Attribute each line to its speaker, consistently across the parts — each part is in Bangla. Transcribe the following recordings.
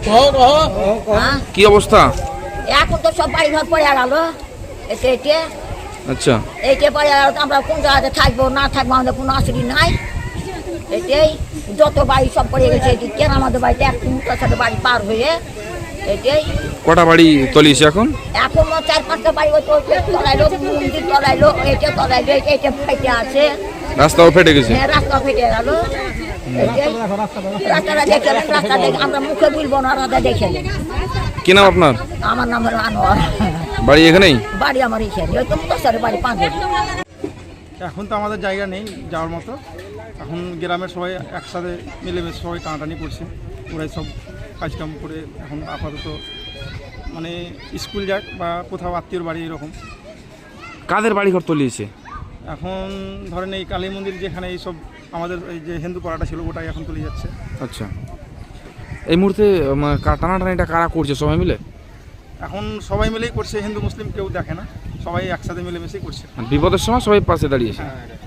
Speaker 1: কি অবস্থা?
Speaker 2: এখন তো সব বাড়ি ঘর পড়ে গেল।
Speaker 1: আচ্ছা,
Speaker 2: এইটা পরে আমরা কোন জায়গাতে থাকবো না থাকবো আমাদের কোনো অসুবিধা নাই। এটাই যত বাড়ি সব পড়ে গেছে। কেন আমাদের বাড়িতে এক মুখটার সাথে বাড়ি পার হয়ে এটাই।
Speaker 1: কটা বাড়ি তলিয়েছে এখন?
Speaker 2: এখনো 4-5টা বাড়ি তলাইলো, মন্দির তলাইলো, এটা তলাইলো, এটা ফেটে আছে।
Speaker 1: রাস্তাও ফেটে গেছে।
Speaker 2: হ্যাঁ, রাস্তা ফেটে গেল। রাস্তাটা দেখে রাস্তা দেখে আমরা মুখে বলবো না, রাস্তা দেখে।
Speaker 1: কি নাম আপনার?
Speaker 2: আমার নাম হলো আনোয়ার।
Speaker 1: বাড়ি এখানেই?
Speaker 2: বাড়ি আমার এখানে, ওই তো মুখের বাড়ি 5 বাড়ি।
Speaker 3: এখন তো আমাদের জায়গা নেই যাওয়ার মতো। এখন গ্রামের সবাই একসাথে মিলেমিশে সবাই টানাটানি করছে। ওরাই সব কাজকাম করে এখন আপাতত মানে স্কুল যাক বা কোথাও আত্মীয়র বাড়ি এরকম।
Speaker 1: কাদের বাড়ি ঘর তলিয়েছে?
Speaker 3: এখন ধরেন এই কালী মন্দির যেখানে এইসব আমাদের এই যে হিন্দু পাড়াটা ছিল ওটাই এখন তুলে যাচ্ছে।
Speaker 1: আচ্ছা, এই মুহূর্তে টানাটানিটা কারা করছে? সবাই মিলে?
Speaker 3: এখন সবাই মিলেই করছে, হিন্দু মুসলিম কেউ দেখে না, সবাই একসাথে মিলেমিশেই করছে।
Speaker 1: বিপদের সময় সবাই পাশে দাঁড়িয়েছে।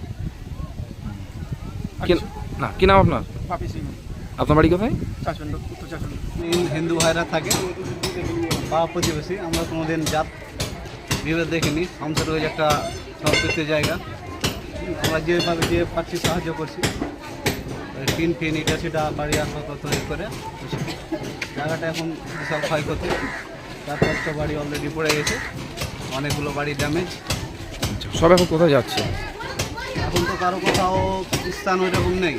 Speaker 1: না, কি নাম আপনার?
Speaker 3: পাপি সিং।
Speaker 1: আপনার বাড়ি কোথায়?
Speaker 3: চাচন্ড, উত্তর চাচন্ড।
Speaker 4: হিন্দু ভাইরা থাকে বা প্রতিবেশী, আমরা কোনোদিন জাত বিভেদ দেখিনি। আমাদের ওই একটা সংস্কৃতির জায়গা, আমরা যেভাবে যে পাচ্ছি সাহায্য করছি। টিন ফিন এটা সেটা বাড়ি আসা তৈরি করে জায়গাটা এখন বিশাল ক্ষয়ক্ষতি। 4-5টা বাড়ি অলরেডি পড়ে গেছে, অনেকগুলো বাড়ি ড্যামেজ।
Speaker 1: সব এখন কোথায় যাচ্ছে?
Speaker 4: এখন তো কারো কোথাও স্থান ওই রকম নেই,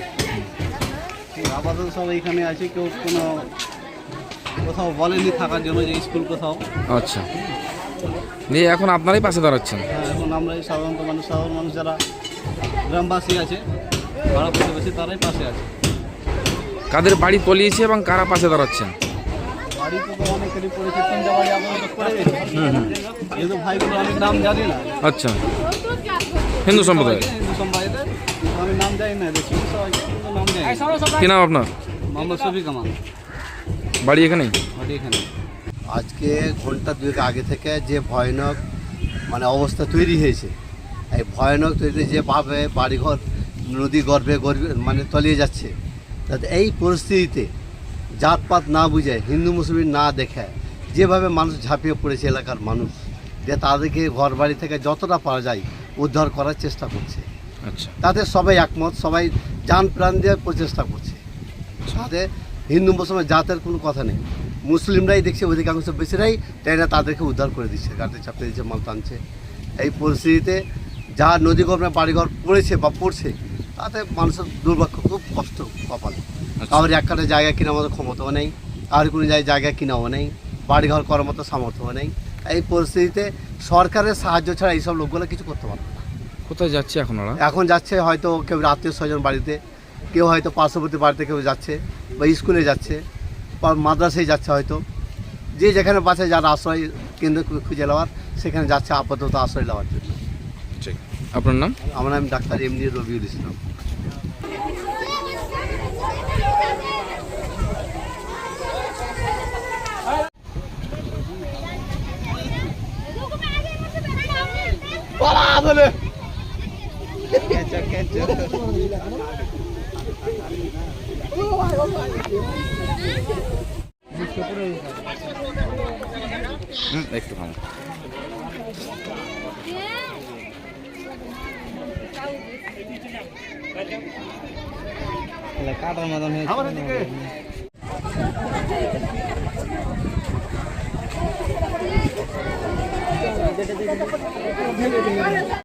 Speaker 4: আপাতত সব এইখানে আছে। কেউ কোনো কোথাও বলেনি থাকার জন্য যে স্কুল কোথাও।
Speaker 1: আচ্ছা, নিয়ে এখন আপনারাই পাশে দাঁড়াচ্ছেন?
Speaker 4: হ্যাঁ, এখন আমরা এই সাধারণ মানুষ যারা গ্রামবাসী আছে, পাড়া প্রতিবেশী, তারাই পাশে আছে।
Speaker 1: কাদের বাড়ি তলিয়েছে এবং কারা পাশে দাঁড়াচ্ছেন?
Speaker 4: বাড়ি তো অনেকেরই পড়েছে, 3টা বাড়ি আপাতত পড়ে গেছে। যেহেতু ভাইগুলো অনেক নাম জানি না।
Speaker 1: আচ্ছা, হিন্দু সম্প্রদায়?
Speaker 4: হিন্দু সম্প্রদায়ের আমি নাম জানি না, দেখি সবাই নাম জানি।
Speaker 1: কি নাম আপনার?
Speaker 4: মোহাম্মদ শফিক আমান।
Speaker 1: বাড়ি এখানেই?
Speaker 4: বাড়ি এখানে।
Speaker 5: আজকে ঘন্টা 2 আগে থেকে যে ভয়ানক মানে অবস্থা তৈরি হয়েছে, এই ভয়ানক তৈরি যেভাবে বাড়িঘর নদী গর্ভে মানে তলিয়ে যাচ্ছে, তাতে এই পরিস্থিতিতে জাতপাত না বুঝে, হিন্দু মুসলিম না দেখে যেভাবে মানুষ ঝাঁপিয়ে পড়েছে এলাকার মানুষ, যে তাদেরকে ঘর বাড়ি থেকে যতটা পারা যায় উদ্ধার করার চেষ্টা করছে।
Speaker 1: আচ্ছা,
Speaker 5: তাতে সবাই একমত, সবাই জান প্রাণ দিয়ে প্রচেষ্টা করছে। তাতে হিন্দু মুসলমান জাতের কোনো কথা নেই, মুসলিমরাই দেখছে অধিকাংশ বেশিরাই তাই না তাদেরকে উদ্ধার করে দিচ্ছে, গাড়িতে চাপতে দিচ্ছে, মাল টানছে। এই পরিস্থিতিতে যা নদী গর্ভে বাড়িঘর পড়েছে বা পড়ছে, তাতে মানুষের দুর্ভাগ্য, খুব কষ্ট কপাল। কারোর একটা জায়গা কেনার মতো ক্ষমতাও নেই, আর কোনো জায়গা কিনাও নেই, বাড়িঘর করার মতো সামর্থ্যও নেই। এই পরিস্থিতিতে সরকারের সাহায্য ছাড়া এইসব লোকগুলো কিছু করতে পারবে না।
Speaker 1: কোথায় যাচ্ছে এখন ওরা?
Speaker 5: এখন যাচ্ছে হয়তো কেউ আত্মীয় স্বজন বাড়িতে, কেউ হয়তো পার্শ্ববর্তী বাড়িতে কেউ যাচ্ছে, বা স্কুলে যাচ্ছে, বা মাদ্রাসায় যাচ্ছে, হয়তো যে যেখানে পাচ্ছে যার আশ্রয় কেন্দ্র খুঁজে নেওয়ার সেখানে যাচ্ছে আপাতত আশ্রয় নেওয়ার জন্য।
Speaker 1: ঠিক, আপনার নাম?
Speaker 5: আমার নাম ডাক্তার এমডি রবিউল ইসলাম।
Speaker 1: একটু থামো।
Speaker 4: কাটার মতন হয়েছে।